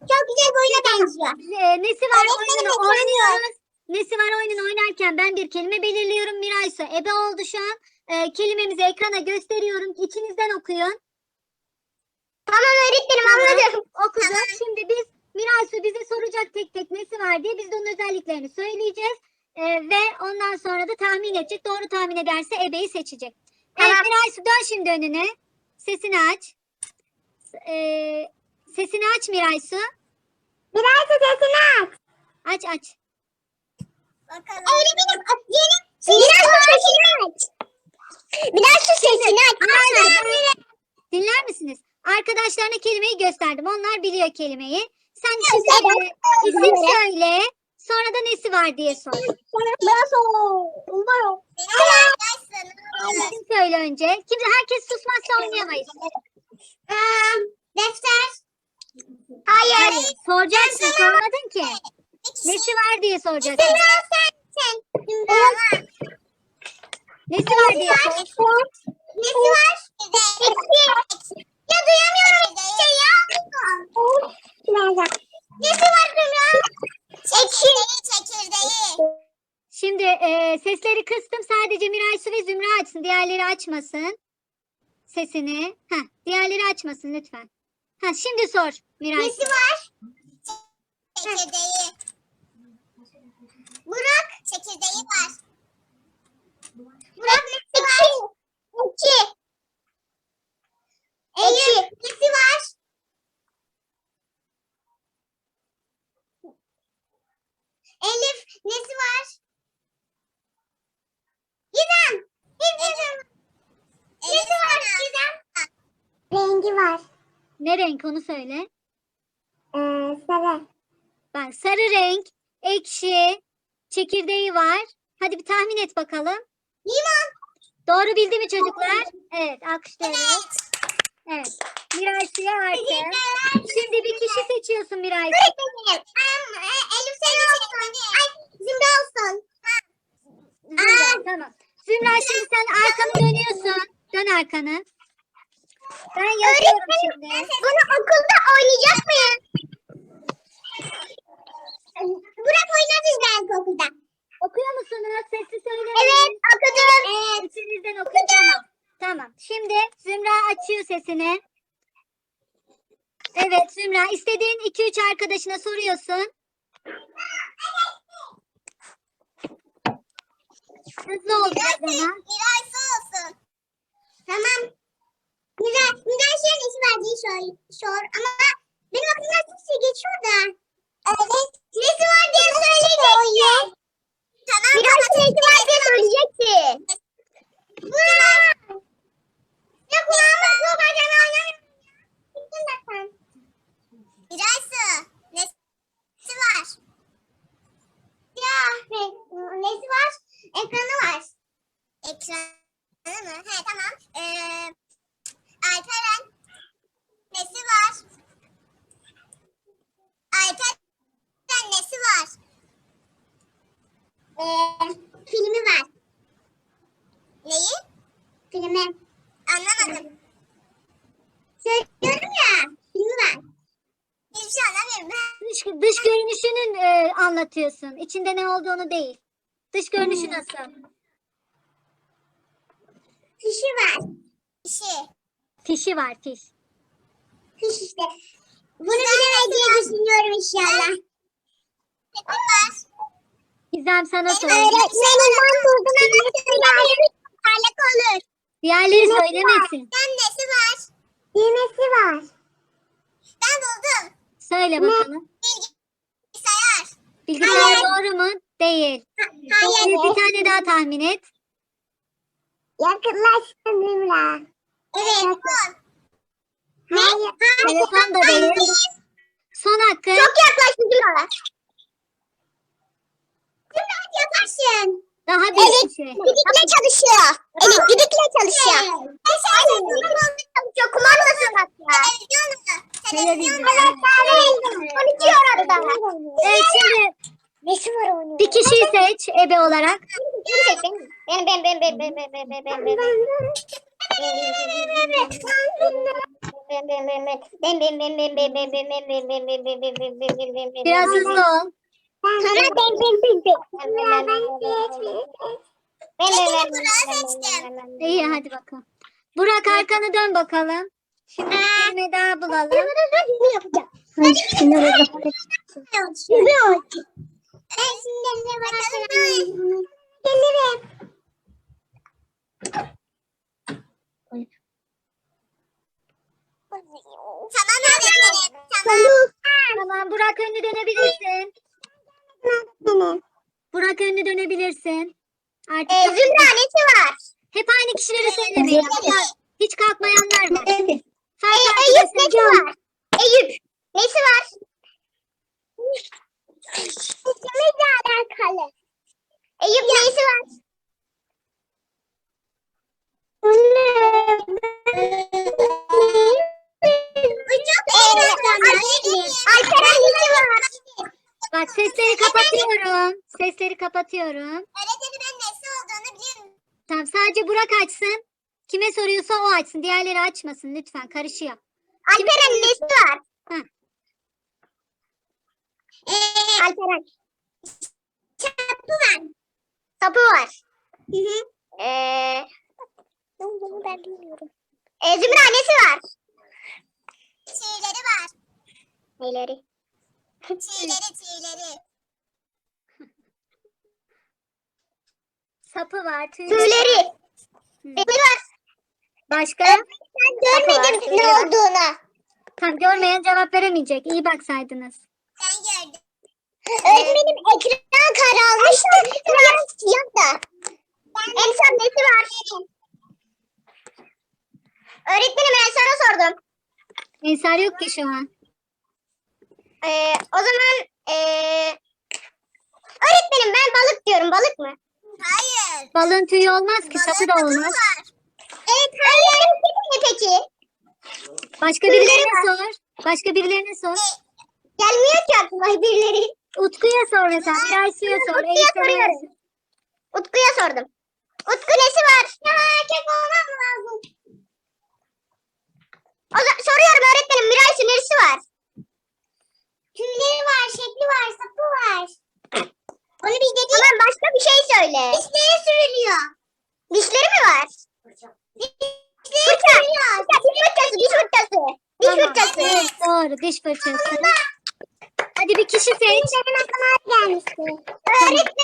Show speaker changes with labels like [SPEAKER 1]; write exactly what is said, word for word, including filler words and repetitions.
[SPEAKER 1] Çok güzel bir oyuna benziyor.
[SPEAKER 2] E, nesi var
[SPEAKER 1] Öğretmenim,
[SPEAKER 2] oyununu
[SPEAKER 1] ekranı
[SPEAKER 2] oynuyoruz. Nesi var oyununu oynarken ben bir kelime belirliyorum. Miray Su ebe oldu şu an. E, kelimemizi ekrana gösteriyorum. İçinizden okuyun.
[SPEAKER 1] Tamam öğretmenim anladım.
[SPEAKER 2] Okuduk. Şimdi biz Miray Su bize soracak tek tek nesi var diye biz de onun özelliklerini söyleyeceğiz. E, ve ondan sonra da tahmin edecek. Doğru tahmin ederse ebeyi seçecek. Evet
[SPEAKER 1] Tamam.
[SPEAKER 2] Miray Su dön şimdi önüne. Sesini aç. E, sesini aç Miray Su.
[SPEAKER 1] Biraz da sesini aç.
[SPEAKER 2] Aç aç.
[SPEAKER 1] Bakalım. Öğretmenim yeni. Biraz da sesini aç. Biraz da sesini aç.
[SPEAKER 2] Arkadaşlar, dinler misiniz? Arkadaşlarına kelimeyi gösterdim. Onlar biliyor kelimeyi. Sen şimdi e, isim söyle. Sonra da nesi var diye sor.
[SPEAKER 1] Biraz o. Umarım.
[SPEAKER 2] İsim söyle önce. Kimse herkes susmazsa oynayamayız.
[SPEAKER 1] Defter. Hayır.
[SPEAKER 2] Hayır. Soracaksın. Sormadın ki. Nesi var diye soracaksın.
[SPEAKER 1] Zümra sen. Sen. Zümra.
[SPEAKER 2] Nesi var diye sor.
[SPEAKER 1] Nesi var? Ya duyamıyorum bir şey ya. Nesi var Zümra? Çekirdeği, çekirdeği.
[SPEAKER 2] Şimdi e, sesleri kıstım. Sadece Miray Su ve Zümra açsın. Diğerleri açmasın. Sesini. Heh, diğerleri açmasın lütfen. Ha, şimdi sor Miray Su.
[SPEAKER 1] Nesi var? Çekirdeği. Burak. Çekirdeği var. Burak nesi var? İki. Elif nesi var? Elif nesi var? Gizem. Gizem. Nesi var Gizem? Rengi var.
[SPEAKER 2] Ne renk onu söyle.
[SPEAKER 1] Ee, sarı.
[SPEAKER 2] Bak sarı renk, ekşi, çekirdeği var. Hadi bir tahmin et bakalım.
[SPEAKER 1] Limon.
[SPEAKER 2] Doğru bildi mi çocuklar? Evet, alkışlıyoruz. Evet. Miray Su'ya artık. Şimdi bir kişi seçiyorsun Miray Su.
[SPEAKER 1] Öğretmenim. Um, e, Elif sen olsun. Ay Zümra olsun.
[SPEAKER 2] Zümra, tamam. Zümra şimdi sen arkanı dönüyorsun. Dön arkanı. Ben yazıyorum şimdi.
[SPEAKER 1] Bunu okulda oynayacak mıyız? Burak oynarız belki okulda.
[SPEAKER 2] Okuyor musunuz? Sesli söyleyin.
[SPEAKER 1] Evet okudum.
[SPEAKER 2] Evet. İçinizden okuyun. Tamam. Tamam. Şimdi Zümra açıyor sesini. Evet Zümra istediğin iki üç arkadaşına soruyorsun. Hızlı ol biraz ama.
[SPEAKER 1] Miray su olsun. Tamam. Miray, Miray şey nesi verdiği sor, sor. Ama benim aklımdan kimse geçiyor da. Evet. Nesi var diye söyleyeceksin. Tamam. Miray nesi var diye söyleyeceksin. Burak. Ya kulağımız yok. Acaba oynamıyorum. Gittin de sen. Miray su. Nesi var? Ya ne, nesi var? Ekranı var. Ekranı mı? He tamam. Ee, Alperen nesi var? Alperen nesi var? Ee, filmi var. Neyi? Filmi. Anlamadım. Söylüyorum ya. Filmi var. Hiçbir şey anlamıyorum ben.
[SPEAKER 2] Dış, dış görünüşünün e, anlatıyorsun. İçinde ne olduğunu değil. Dış görünüşü nasıl?
[SPEAKER 1] Fişi var. Fişi.
[SPEAKER 2] Fişi var fiş.
[SPEAKER 1] Fiş işte. Bunu bilemez diye düşünüyorum inşallah. Ne var?
[SPEAKER 2] Gizem sana sor.
[SPEAKER 1] Öğretmenim ben buldum ama söylemiyorum. Parlak olur.
[SPEAKER 2] Diğerleri söylemesin.
[SPEAKER 1] Ben nesi var? Düğmesi var. Ben buldum.
[SPEAKER 2] Söyle bakalım.
[SPEAKER 1] Bilgisayar.
[SPEAKER 2] Bilgisayar
[SPEAKER 1] Hayır.
[SPEAKER 2] doğru mu? Değil.
[SPEAKER 1] Hayır.
[SPEAKER 2] Bir tane daha tahmin et.
[SPEAKER 1] Yakınlaştın Zümra. Evet. Telefon. Hayır.
[SPEAKER 2] Telefon da değil. Son hakkı.
[SPEAKER 1] Çok yaklaştın Zümra. Zümra hadi yaparsın.
[SPEAKER 2] Daha bir şey.
[SPEAKER 1] Elektrikle çalışıyor. Elektrikle çalışıyor. Ben televizyonum çalışıyor. Kumandası bak ya.
[SPEAKER 2] Televizyon.
[SPEAKER 1] Evet. Konuşuyor orada.
[SPEAKER 2] Evet şimdi
[SPEAKER 1] Nesi var onun?
[SPEAKER 2] bir kişiyi seç ebe olarak.
[SPEAKER 1] Ben ben ben ben ben ben ben ben ben ben.
[SPEAKER 2] Biraz hızlı ol.
[SPEAKER 1] Sonra ben ben ben ben ben.
[SPEAKER 2] İyi hadi bakalım. Burak arkanı dön bakalım. Şimdi bir kelime daha bulalım.
[SPEAKER 1] Ne yapacağım? Ben şimdi ne bakalım. Gelirim. Tamam öğretmenim. Tamam.
[SPEAKER 2] Tamam Burak önünü dönebilirsin. Burak önünü dönebilirsin. Artık
[SPEAKER 1] Ee, Zümranesi var.
[SPEAKER 2] hep aynı kişileri söylemeyin. Hatta hiç kalkmayanlar var.
[SPEAKER 1] Ee,
[SPEAKER 2] Farklı
[SPEAKER 1] Eyüp
[SPEAKER 2] arkadaşlar.
[SPEAKER 1] nesi var? Eyüp nesi var? İkimizle alakalı. Eyüp nesi var? Alperen nesi var?
[SPEAKER 2] Bak sesleri kapatıyorum. Sesleri kapatıyorum.
[SPEAKER 1] Öğretmenim ben nesi olduğunu biliyorum.
[SPEAKER 2] Tamam sadece Burak açsın. Kime soruyorsa o açsın. Diğerleri açmasın lütfen. Karışıyor.
[SPEAKER 1] Alperen nesi var?
[SPEAKER 2] Hı.
[SPEAKER 1] Ee, Alperen. Sapı var. Sapı var. Hı hı. Ee, bunu ben bilmiyorum. Ee, Zümra nesi var? Tüyleri var. Neyleri? Tüyleri tüyleri.
[SPEAKER 2] Sapı var. Tüyleri.
[SPEAKER 1] Tüyleri.
[SPEAKER 2] Hı.
[SPEAKER 1] Tüyleri var.
[SPEAKER 2] Başka?
[SPEAKER 1] Ben görmedim ne olduğunu.
[SPEAKER 2] Tam görmeyen cevap veremeyecek. İyi baksaydınız.
[SPEAKER 1] Ben gördüm. Öğretmenim ekran kararmıştı. Biraz siyah da. En son nesi var? Öğretmenim ben sana sordum.
[SPEAKER 2] Ensar yok ki şu an.
[SPEAKER 1] Ee, o zaman ee, öğretmenim ben balık diyorum. Balık mı? Hayır.
[SPEAKER 2] Balığın tüyü olmaz ki. Sapı da olmaz.
[SPEAKER 1] Evet hayır. Ne peki?
[SPEAKER 2] Başka birilerine sor. Başka birilerine sor.
[SPEAKER 1] Gelmiyor ki aklıma birileri.
[SPEAKER 2] Utku'ya sor mesela. Miraysu'ya sor.
[SPEAKER 1] Utku'ya
[SPEAKER 2] Elif'e
[SPEAKER 1] soruyorum.
[SPEAKER 2] sor.
[SPEAKER 1] Utku'ya sordum. Utku nesi var? Ya erkek olmam mı lazım? O zaman soruyorum öğretmenim. Miraysu neresi var? Tüyleri var, şekli var, sapı var. Onu biz dedik. Tamam başka bir şey söyle. Dişleri sürülüyor. Dişleri mi var? Dişleri sürülüyor. Diş fırçası, diş fırçası. Diş
[SPEAKER 2] Tamam.
[SPEAKER 1] fırçası.
[SPEAKER 2] Evet, doğru. Diş fırçası. Hadi bir kişi seç.
[SPEAKER 1] Benim aklıma gelmişti. Öğretmenim